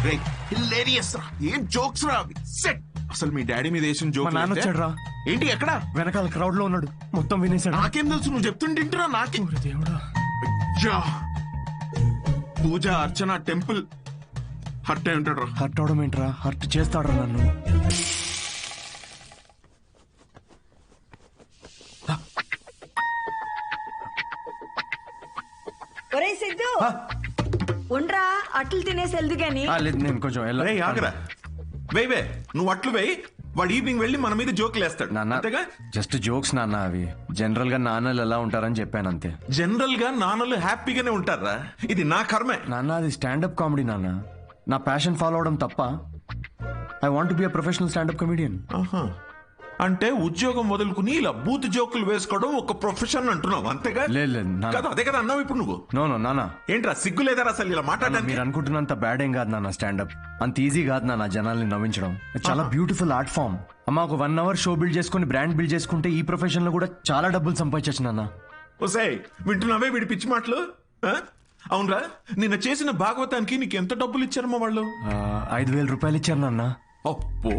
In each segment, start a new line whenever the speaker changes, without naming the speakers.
Hilarious రా, ఏం jokes రా అవి. సెట్. అసలు మీ డాడీ మీద వేసిన జోక్
నాన్న వచ్చాడు రా.
ఏంటి ఎక్కడ?
వెనకాల క్రౌడ్ లో ఉన్నాడు, మొత్తం వినేశాడు.
నాకేం తెలుసు, నువ్వు చెప్తుంటా నాకే.
దేవుడా,
పూజ అర్చన టెంపుల్ హర్ట్ అయి ఉంటాడు రా.
హర్ట్ అవడం ఏంట్రా, హర్ట్ చేస్తాడు నన్ను.
ఒరే సిద్ధు, ఉండ్రా అట్లు తినేసి వెళ్దు గాని.
లేదు, నేను కొంచెం
ఆగరా, వే నువ్వు అట్లు వేయి. వాడు ఈవినింగ్ వెళ్ళి మన మీద జోకులు వేస్తాడు.
నాన్న జస్ట్ జోక్స్ నాన్న, అవి జనరల్ గా నాన్నలు ఎలా ఉంటారని చెప్పాను అంతే.
జనరల్ గా నాన్నలు హ్యాపీగానే ఉంటారా? ఇది నా కర్మే
నాన్న, అది స్టాండప్ కామెడీ నాన్న. నా ప్యాషన్ ఫాలో అవడం తప్ప. I want be a professional stand up comedian.
అంటే ఉద్యోగం వదులుకుని ఇలా బూత్ జోకులు వేసుకోవడం ఒక ప్రొఫెషన్ అంటున్నావు అంతేగా?
లేదు
కదా, అదే కదా అన్నావు ఇప్పుడు నువ్వు.
నో నాన్న,
ఏంట్రా సిగ్గు లేదా అసలు ఇలా మాట్లాడడానికి?
మీరు అనుకుంటున్నంత బ్యాడ్ ఏం కాదు నాన్న. స్టాండప్ అంత ఈజీ కాదు నాన్న జనాల్ని నవ్వించడం. చాలా బ్యూటిఫుల్ ఆర్ట్ ఫామ్. అమ్మ, ఒక 1 hour షో బిల్డ్ చేసుకుని బ్రాండ్ బిల్డ్ చేసుకుంటే ఈ ప్రొఫెషన్ లో కూడా చాలా డబ్బులు సంపాదించచ్చు నాన్న.
ఓసాయ్, వింటున్నావే వీడి పిచ్చి మాటలు? అవునరా, నిన్న చేసిన భాగవతానికి నీకు ఎంత డబ్బులు ఇచ్చారమ్మా వాళ్ళు?
5,000 రూపాయలు ఇచ్చారు నాన్న.
అప్పో,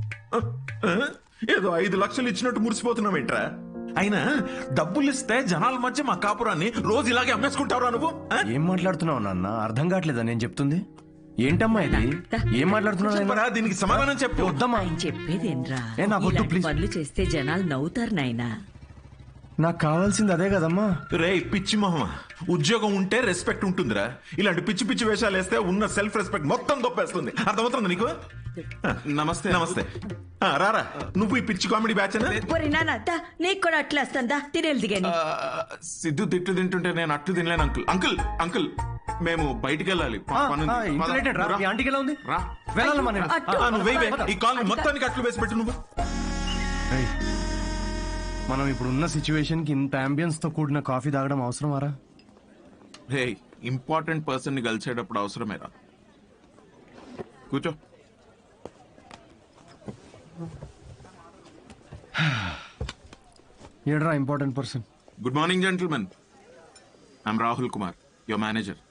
ఏదో 5 లక్షలు ఇచ్చినట్టు మురిసిపోతున్నావేంట్రా? అయినా డబ్బులు ఇస్తే జనాల మధ్య మా కాపురాన్ని రోజు ఇలాగే అమ్మేసుకుంటావురా నువ్వు?
ఏం మాట్లాడుతున్నావు నాన్న, అర్థం కావట్లేదా నేను చెప్తుంది? ఏంటమ్మా ఇది, ఏం మాట్లాడుతున్నావు?
దీనికి సమాధానం చెప్పు.
వద్దమ్మా,
చెప్పేదేంరా,
నాకు ప్లీజ్.
పనులు చేస్తే జనాలు నవ్వుతారు నాయనా.
నాకు కావాల్సింది అదే కదమ్మా.
రే పిచ్చి మొహమా, ఉద్యోగం ఉంటే రెస్పెక్ట్ ఉంటుందిరా. ఇలాంటి పిచ్చి పిచ్చి వేషాలు వేస్తే ఉన్న సెల్ఫ్ రెస్పెక్ట్ మొత్తం దొప్పేస్తుంది. అర్థమవుతుంది నీకు? నమస్తే నమస్తే. రారా, నువ్వు ఈ పిచ్చి కామెడీ బ్యాచ్?
నీకు కూడా అట్లా వస్తుందా? తినేది గాని.
సిద్ధు తిట్లు తింటుంటే నేను అట్లు తినలేను అంకుల్. అంకుల్ అంకుల్ మేము బయటికి వెళ్ళాలి. ఈ కాల్ మొత్తానికి అట్లు వేసి పెట్టు నువ్వు.
మనం ఇప్పుడు ఉన్న సిచ్యువేషన్ కి ఇంత అంబియన్స్ తో కూడిన కాఫీ తాగడం అవసరమారా?
రే, ఇంపార్టెంట్ పర్సన్ ని కలిసేటప్పుడు అవసరమేరా. కూర్చో.
ఏడ్రా important person?
Good morning gentlemen, I'm Rahul Kumar, your manager.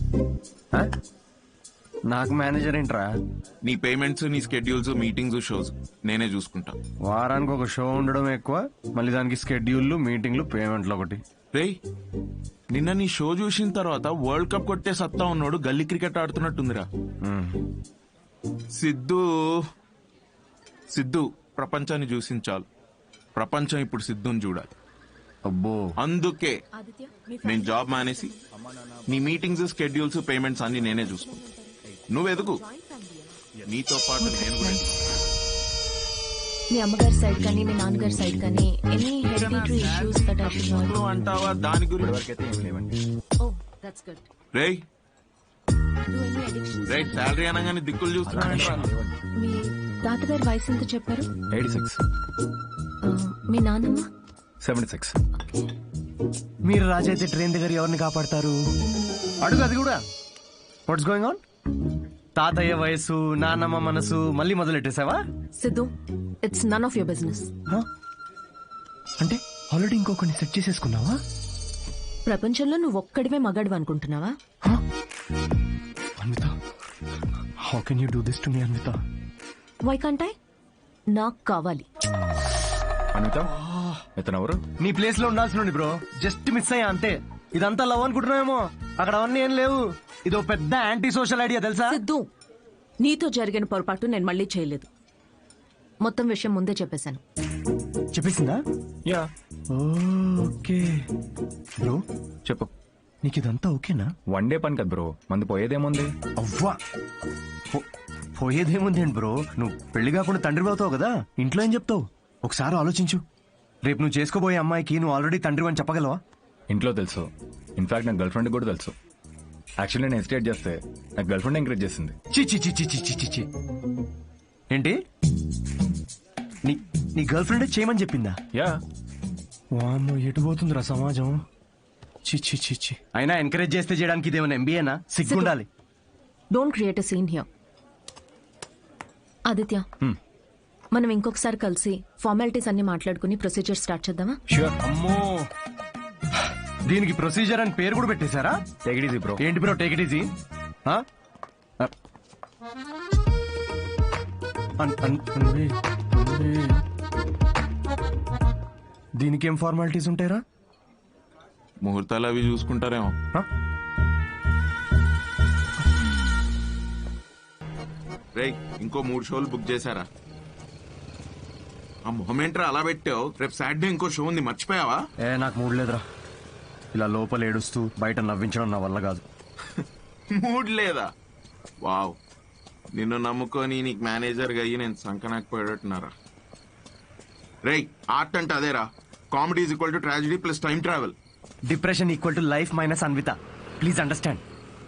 నాకు మేనేజర్ ఏంట్రా?
నీ పేమెంట్స్, నీ స్కెడ్యూల్స్, మీటింగ్స్, షోస్ నేనే చూసుకుంటా.
వారానికి ఒక షో ఉండడం ఎక్కువ, మళ్ళీ దానికి స్కెడ్యూల్లు, మీటింగ్లు, పేమెంట్లు ఒకటి.
రే, నిన్న నీ షో చూసిన తర్వాత వరల్డ్ కప్ కొట్టే సత్తా ఉన్నాడు గల్లీ క్రికెట్ ఆడుతున్నట్టుందిరా. సిద్ధు ప్రపంచాన్ని చూసించాలి. ప్రపంచం ఇప్పుడు సిద్ధుని చూడాలి.
అబ్బో,
అందుకే నేను జాబ్ మానేసి నీ మీటింగ్స్, స్కెడ్యూల్స్, పేమెంట్స్ అన్ని నేనే చూసుకుంటా. నువ్వెదుగు, నీతో పాటు నేను కూడా.
మీ అమ్మగారి సైడ్ కానీ మీ నాన్నగారి సైడ్ కానీ any hereditary issues that I should know
అంటావా? దాని గురించి
ఓ దట్స్ గుడ్.
రేయ్ రేయ్, శాలరీ అనగానే దిక్కులు చూస్తున్నా.
మీ తాతగారి వయసు ఎంత చెప్పారు?
86.
మీ నాన్నమ్మ?
76.
మీరు రాజైతే ట్రైన్ దగ్గర ఎవరిని కాపాడతారు? అడుగు అది కూడా. What's going on? తాతయ్య వయసు, నాన్నమ్మ మనసు మళ్ళీ మొదలెట్టేసావా?
Siddhu, it's none of your business.
అంటే ఆల్రెడీ ఇంకొకరిని సెట్ చేసేసుకున్నావా?
ప్రపంచంలో నువ్వు ఒక్కడివే మగాడు అనుకుంటున్నావా?
Anvitha, how can you do this to me Anvitha?
Why can't I? నాకు కావాలి.
అన్విత, ఇతను ఎవరు?
నీ ప్లేస్ లో ఉండాల్సిన బ్రో, జస్ట్ మిస్ అయ్యా అంతే. ఇదంతా లవ్ అనుకుంటున్నావేమో, అక్కడ అవన్నీ ఏం లేవు. ఇదో పెద్ద యాంటీ సోషల్ ఐడియా తెలుసా?
సిద్ధు, నీతో జరిగిన పొరపాటు నేను మళ్ళీ చేయలేదు. మొత్తం విషయం ముందే చెప్పేశాను.
చెప్పేసిందా?
యా.
ఓకే బ్రో,
చెప్పు.
నీకు ఇదంతా ఓకేనా?
1 డే పని కదా బ్రో, మంది పోయేదేముంది?
అవ్వా, పోయేదేముంది ఏంటి బ్రో, నువ్వు పెళ్లి కాకుండా తండ్రి అవుతావు కదా, ఇంట్లో ఏం చెప్తావు? ఒకసారి ఆలోచించు. రేపు నువ్వు చేసుకోబోయే అమ్మాయికి నువ్వు ఆల్రెడీ తండ్రి అని చెప్పగలవా?
ఇంట్లో తెలుసు, ఇన్ఫాక్ట్ నాకు గర్ల్ ఫ్రెండ్ కూడా తెలుసు. యాక్చువల్లీ నేను హెసిటేట్ చేస్తే నాకు గర్ల్ ఫ్రెండ్ ఎంకరేజ్ చేసింది.
చి ఏంటి, నీ గర్ల్ ఫ్రెండ్ చేయమని చెప్పిందా?
యా.
వామ్మో, ఎటు పోతుందిరా సమాజం. చి అయినా ఎంకరేజ్ చేస్తే చేయడానికి ఇదేమైనా ఎంబీఏనా? సిగ్గుండాలి.
Don't create a scene here. Aditya, మనం ఇంకొకసారి కలిసి ఫార్మాలిటీస్ అన్ని మాట్లాడుకుని ప్రొసీజర్ స్టార్ట్ చేద్దామా?
ష్యూర్.
అమ్మో, దీనికి ప్రొసీజర్ అని పేరు కూడా పెట్టేశారా?
Take it easy bro.
ఏంటి bro take it easy? Anvi, దీనికేం ఫార్మాలిటీస్ ఉంటాయరా?
ముహూర్తాలు అవి చూసుకుంటారేమో. రేయ్, ఇంకో 3 షోలు బుక్ చేశారా? ఆ మొహమేంట్రా అలా పెట్టావు? రేపు సాటర్డే ఇంకో షో ఉంది, మర్చిపోయావా?
నాకు మూడ్ లేదురా. ఇలా లోపల ఏడుస్తూ బయట నవ్వించడం నా వల్ల కాదు.
మూడ్ లేదా? వావ్, నిన్ను నమ్ముకొని నీకు మేనేజర్గా అయ్యి నేను సంకనాకపోయేటట్టున్నారా? రేయ్, ఆర్ట్ అంటే అదేరా. Comedy is equal to tragedy plus time travel.
Depression equal to life minus Anvitha. Please understand.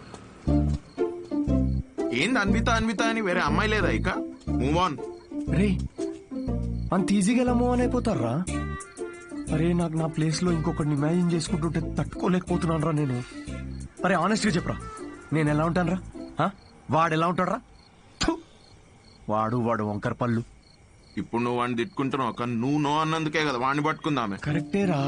ఏంది అన్విత అన్విత అని వేరే అమ్మాయి లేదా ఇక? Move on.
రే, అంత ఈజీగా ఎలా మూవ్ ఆన్ అయిపోతారా? అరే, నాకు నా ప్లేస్ లో ఇంకొకరిని ఇమాజిన్ చేసుకుంటుంటే తట్టుకోలేకపోతున్నాను రా నేను. అరే, ఆనెస్ట్ గా చెప్పరా, నేను ఎలా ఉంటాను రా? వాడు ఎలా ఉంటాడు రా? వాడు వంకర పళ్ళు.
ఇప్పుడు నువ్వు వాడిని తిట్టుకుంటున్నావు, కానీ నువ్వు నో అన్నందుకే కదా వాడిని పట్టుకుందామే.
కరెక్టేరా,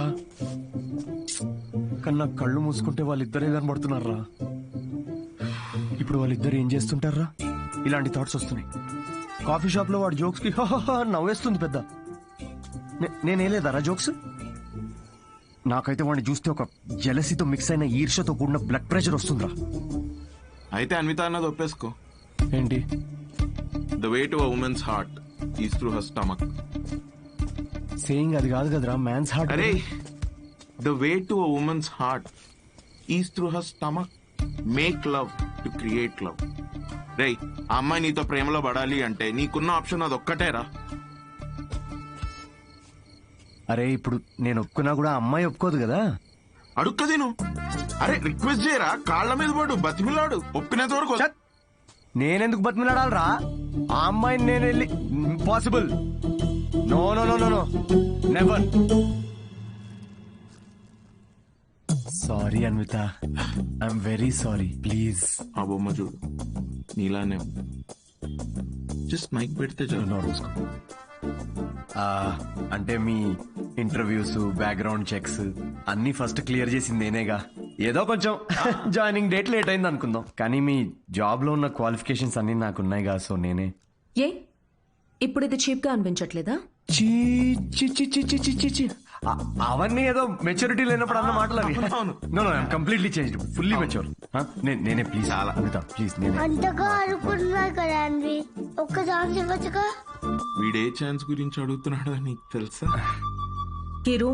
కానీ నాకు కళ్ళు మూసుకుంటే వాళ్ళిద్దరే కనబడుతున్నారా. ఇప్పుడు వాళ్ళిద్దరు ఏం చేస్తుంటారా? ఇలాంటి థాట్స్ వస్తున్నాయి. కాఫీ షాప్ లో వాడు జోక్స్ కి నవ్వేస్తుంది పెద్ద. నేనేలేదారా జోక్స్? నాకైతే వాడిని చూస్తే ఒక జెలసీతో మిక్స్ అయిన ఈర్ష్యతో కూడిన బ్లడ్ ప్రెషర్ వస్తుందిరా.
అయితే అన్విత అన్నది ఒప్పేసుకో.
ఏంటి?
The way to a women's heart is through her stomach.
Saying అది కాదు కదరా, మ్యాన్స్ హార్ట్.
అరే, the way to a women's heart is through her stomach. Make love to create love. రేయ్, ఆ అమ్మాయి నీతో ప్రేమలో పడాలి అంటే నీకున్న ఆప్షన్ అది ఒక్కటేరా.
అరే, ఇప్పుడు నేను ఒప్పుకున్నా కూడా అమ్మాయి ఒప్పుకోదు కదా.
అడుక్కది నువ్వు. అరే, రిక్వెస్ట్ చేయరా, కాళ్ళ మీద పడు, బతిమిలాడు, ఒప్పుకునేంత వరకు.
నేనెందుకు బతిమిలాడాలరా? ఆ అమ్మాయిని నేను వెళ్ళి impossible. No no no no no, never. Sorry Anvitha, I'm very sorry. Please.
ఆ బొమ్మ చూడు, నీలానే జస్ట్ మైక్ పెడితే చాలు.
అంటే మీ ఇంటర్వ్యూస్, బ్యాక్గ్రౌండ్ చెక్స్ అన్ని ఫస్ట్ క్లియర్ చేసింది నేనేగా. ఏదో కొంచెం జాయినింగ్ డేట్ లేట్ అయింది అనుకుందాం, కానీ మీ జాబ్ లో ఉన్న క్వాలిఫికేషన్స్ అన్ని నాకున్నాయిగా, సో నేనే.
ఏ ఇప్పుడు ఇది చీప్ గా అనిపించట్లేదా?
చీ చీ చీ చీ చీ చీ చీ చీ. అవన్నీ ఏదో మెచ్యూరిటీ లేనప్పుడు అన్న మాటలు అవి. No no, I'm completely changed, fully mature. నేనే ప్లీజ్. చాలా అమిత, ప్లీజ్. నేనే
అంతగా అనుకుంటున్నా కదా అండి, ఒక్క ఛాన్స్ ఇవ్వచ్చుగా.
వీడే ఛాన్స్ గురించి అడుగుతున్నాడు నీకు తెలుసా?
కిరు,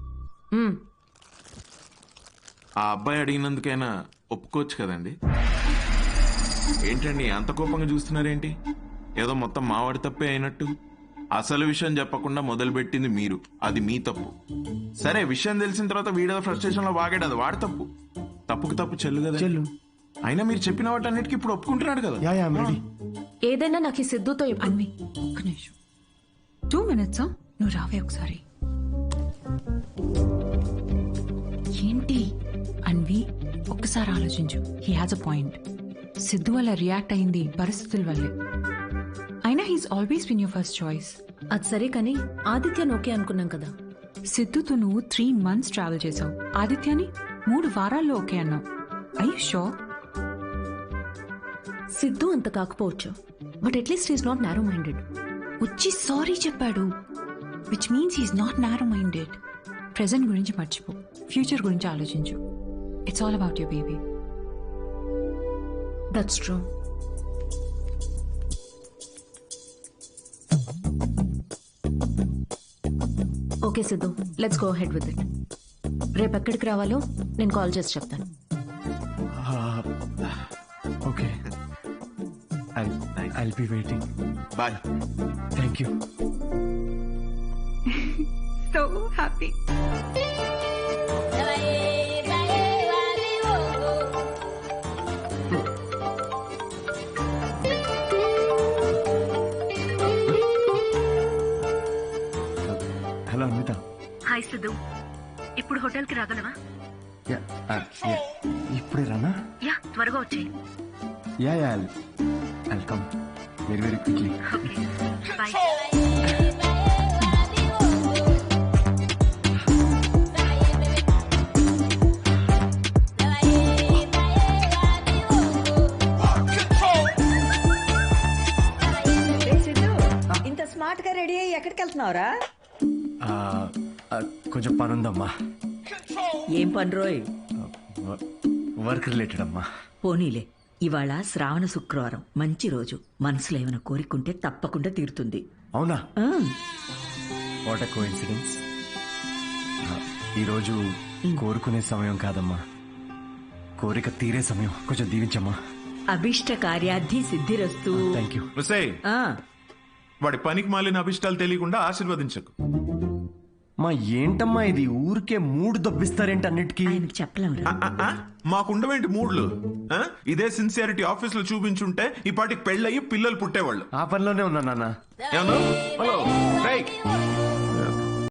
ఆ అబ్బాయి అడిగినందుకైనా ఒప్పుకోవచ్చు కదండి. ఏంటండి అంత కోపంగా చూస్తున్నారేంటి? ఏదో మొత్తం మావాడి తప్పే అయినట్టు. అసలు విషయం చెప్పకుండా మొదలుపెట్టింది మీరు, అది మీ తప్పు. సరే, విషయం తెలిసిన తర్వాత వీడేదో ఫ్రస్ట్రేషన్ లో వాగాడు, అది వాడి తప్పు. తప్పుకు తప్పు చెల్లు కదా.
చెల్లు.
అయినా మీరు చెప్పిన వాటన్నిటికీ ఇప్పుడు ఒప్పుకుంటున్నాడు కదా.
Yeah yeah, ready.
ఏదైనా నాకు ఈ సిద్ధుతో
అన్వి, ఒక్క నిమిషం, 2 minutes. నువ్వు రావే ఒకసారి. ఏంటి అన్వి, ఒక్కసారి ఆలోచించు. He has a point. Siddhu వల్ల రియాక్ట్ అయింది పరిస్థితుల వల్లే. అయినా he's always been your first choice.
అది సరే, కానీ ఆదిత్యను ఓకే అనుకున్నాం కదా.
సిద్ధుతో నువ్వు 3 months ట్రావెల్ చేసావు, ఆదిత్యని 3 వారాల్లో ఓకే అన్నావు. I you sure?
సిద్ధు అంత కాకపోవచ్చు, but at least he's not narrow minded.
వచ్చి సారీ చెప్పాడు, which means he's not narrow minded. Present గురించి మర్చిపో, ఫ్యూచర్ గురించి ఆలోచించు. It's all about your baby.
That's true. Okay Siddhu, let's go head with it. రేపు ఎక్కడికి రావాలో నేను కాల్ చేసి చెప్తాను.
Okay, I'll be waiting.
Bye.
Thank you.
So happy.
Hello Anvitha.
Hi Siddhu, ఇప్పుడు హోటల్కి రాగలవా?
ఇప్పుడే రానా?
యా, త్వరగా వచ్చేయి.
Yeah yeah, I'll come very very quickly.
Bye.
Ready అయ్యి ఎక్కడికి వెళ్తున్నావురా?
ఆ, ఆ, కొంచెం పనుందమ్మా.
ఏం పని రోయ్?
వర్క్ రిలేటెడ్ అమ్మా.
పోనీలే, ఇవాళ శ్రావణ శుక్రవారం, మంచి రోజు. మనసులో ఏమైనా కోరికుంటే తప్పకుండా తీరుతుంది.
అవునా?
ఆ,
వాట్ ఎ కోఇన్సిడెన్స్. ఈరోజు కోరుకునే సమయం కాదమ్మా, కోరిక తీరే సమయం. కొంచెం దీవించమ్మా.
అభిష్ట కార్యార్థి సిద్ధిరస్తు.
Thank you.
ఒసేయ్,
ఆ,
వాడి పనికి మాలిన అభిష్టాలు తెలియకుండా ఆశీర్వదించకు.
మా ఏంటమ్మా ఇది, ఊరికే మూడు దొబ్బిస్తారేంటి అన్నిటికీ?
ఆయనకు చెప్పలేమురా.
మాకుండవేంటి మూడ్లు? ఆ? ఇదే సిన్సియారిటీ ఆఫీస్ లో చూపించుంటే ఈ పాటికి పెళ్ళయి పిల్లలు పుట్టేవాళ్ళు.
ఆ పనిలోనే ఉన్నా నాన్న.
ఏమన్నా? హలో రేయ్,